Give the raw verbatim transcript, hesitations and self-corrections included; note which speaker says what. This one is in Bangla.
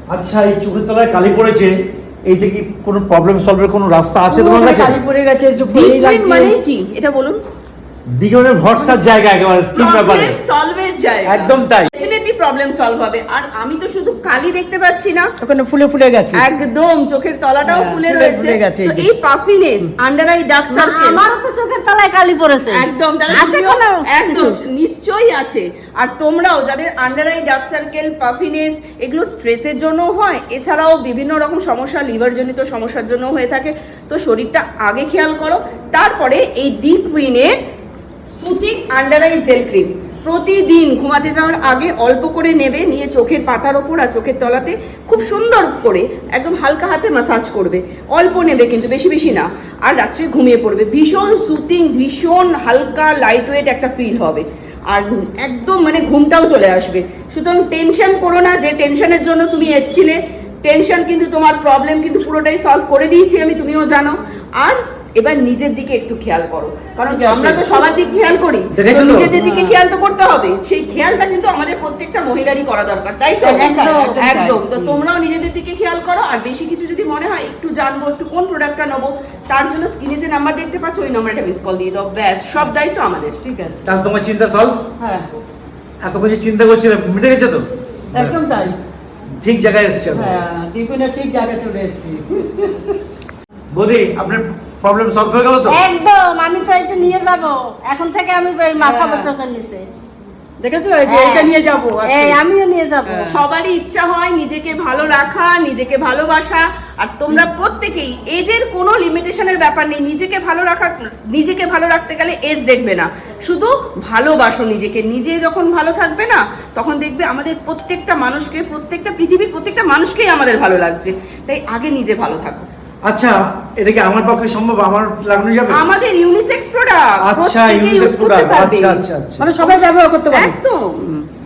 Speaker 1: আচ্ছা, এই চোখের তলায় কালি পড়েছে, এইটা কি কোনো প্রবলেম সলভের কোনো রাস্তা আছে তোমার কাছে?
Speaker 2: কালি পড়ে গেছে, একটু
Speaker 3: ডিপ
Speaker 2: ফেলেই লাগছে।
Speaker 3: মানে কি এটা বলুন?
Speaker 1: দিগনের ভরসার জায়গা একেবারে স্কিন ব্যাপারে
Speaker 3: প্রবলেম সলভের জায়গা,
Speaker 1: একদম তাই।
Speaker 3: ডেফিনেটলি প্রবলেম সলভ হবে। আর আমি তো শুধু কালি দেখতে পাচ্ছি না,
Speaker 2: ওখানে ফুলে ফুলে গেছে,
Speaker 3: একদম চোখের তলাটাও
Speaker 2: হ্যাঁ,
Speaker 3: ফুলে
Speaker 2: ফুলে
Speaker 3: রয়েছে।
Speaker 2: ফুলে গেছে,
Speaker 3: তো
Speaker 2: এই যে।
Speaker 3: এই puffiness, under eye dark circle,
Speaker 4: আমারও তো চোখের তলায় কালি পড়েছে।
Speaker 3: একদম তাহলে
Speaker 4: আছে
Speaker 3: তুমিও-
Speaker 4: কোনো
Speaker 3: একদম নিশ্চয়ই আছে। আর তোমরাও যাদের under eye dark circle, puffiness, এগুলো স্ট্রেসের জন্য হয়, এছাড়াও বিভিন্ন রকম সমস্যা, লিভার জনিত সমস্যার জন্য হয়ে থাকে, তো শরীরটা আগে খেয়াল করো। তারপরে এই দি কুইনের soothing under eye gel cream প্রতিদিন ঘুমাতে যাওয়ার আগে অল্প করে নেবে, নিয়ে চোখের পাতার ওপর আর চোখের তলাতে খুব সুন্দর করে একদম হালকা হাতে ম্যাসাজ করবে। অল্প নেবে কিন্তু, বেশি বেশি না। আর রাত্রে ঘুমিয়ে পড়বে, ভীষণ সুতিং, ভীষণ হালকা লাইট ওয়েট একটা ফিল হবে। আর একদম মানে ঘুমটাও চলে আসবে। সুতরাং টেনশন করো না, যে টেনশনের জন্য তুমি এসছিলে, টেনশন কিন্তু তোমার প্রবলেম কিন্তু পুরোটাই সলভ করে দিয়েছি আমি, তুমিও জানো। আর এবার নিজের দিকে একটু খেয়াল করো, কারণ
Speaker 2: ঠিক আছে।
Speaker 3: আমরা তো সবার দিকে খেয়াল করি,
Speaker 1: দেখেছো
Speaker 3: তো
Speaker 1: তো?
Speaker 3: নিজেদের দিকে খেয়াল তো করতে হবে। সেই খেয়ালটা কিন্তু আমাদের প্রত্যেকটা মহিলারই করা দরকার, তাই তো?
Speaker 2: একদম, একদম
Speaker 3: একদম। তো
Speaker 2: তাই।
Speaker 3: তোমরাও নিজেদের দিকে খেয়াল করো। আর বেশি কিছু যদি মনে হয় একটু জানবো, একটু কোন প্রোডাক্টটা নেবো, তার জন্য স্ক্রিনে যে নাম্বার দেখতে পাচ্ছ, ওই নাম্বারটা মিস কল দিয়ে দাও, ব্যাস সব দায়িত্ব আমাদের।
Speaker 2: ঠিক আছে,
Speaker 1: তাহলে তোমার চিন্তা সলভ?
Speaker 2: হ্যাঁ
Speaker 1: এত কিছু চিন্তা করছিলে, মিটে গেছে তো?
Speaker 2: একদম তাই।
Speaker 1: ঠিক জায়গায় এসেছে।
Speaker 2: হ্যাঁ, দীপুনের ঠিক জায়গায় চলে এসেছি।
Speaker 1: বৌদি, আপনার প্রবলেম সলভ হয়ে গেল তো?
Speaker 4: একদম, আমি তো এটা নিয়ে যাব এখন থেকে। আমি ওই মাথা
Speaker 2: হ্যাঁ।
Speaker 4: বসে নিচে,
Speaker 2: দেখেছো, এই যে
Speaker 4: হ্যাঁ।
Speaker 2: এটা নিয়ে যাবো আজকে।
Speaker 4: এই আমিও নিয়ে যাব।
Speaker 2: হ্যাঁ।
Speaker 3: সবারই ইচ্ছা হয় নিজেকে ভালো রাখা, নিজেকে ভালোবাসা। আর তোমরা প্রত্যেকেই, এজের কোনো লিমিটেশনের ব্যাপার নেই। নিজেকে ভালো রাখা, নিজেকে ভালো রাখতে গেলে এজ দেখবে না, শুধু ভালোবাসো নিজেকে। নিজে যখন ভালো থাকবে না, তখন দেখবে আমাদের প্রত্যেকটা মানুষকে, প্রত্যেকটা পৃথিবীর প্রত্যেকটা মানুষকেই আমাদের ভালো লাগছে। তাই আগে নিজে ভালো থাকো।
Speaker 1: আচ্ছা, এটা কি আমার পক্ষে সম্ভব? আমার লাগানো যাবে?
Speaker 3: আমাদের ইউনিসেক্স প্রোডাক্ট,
Speaker 1: আচ্ছা,
Speaker 3: প্রত্যেকেই
Speaker 1: ইউনিসেক্স
Speaker 3: ইউজ করতে
Speaker 1: প্রোডাক্ট।
Speaker 3: পারবে।
Speaker 1: আচ্ছা আচ্ছা আচ্ছা।
Speaker 2: মানে সবাই ব্যবহার করতে পারে।
Speaker 3: একদম।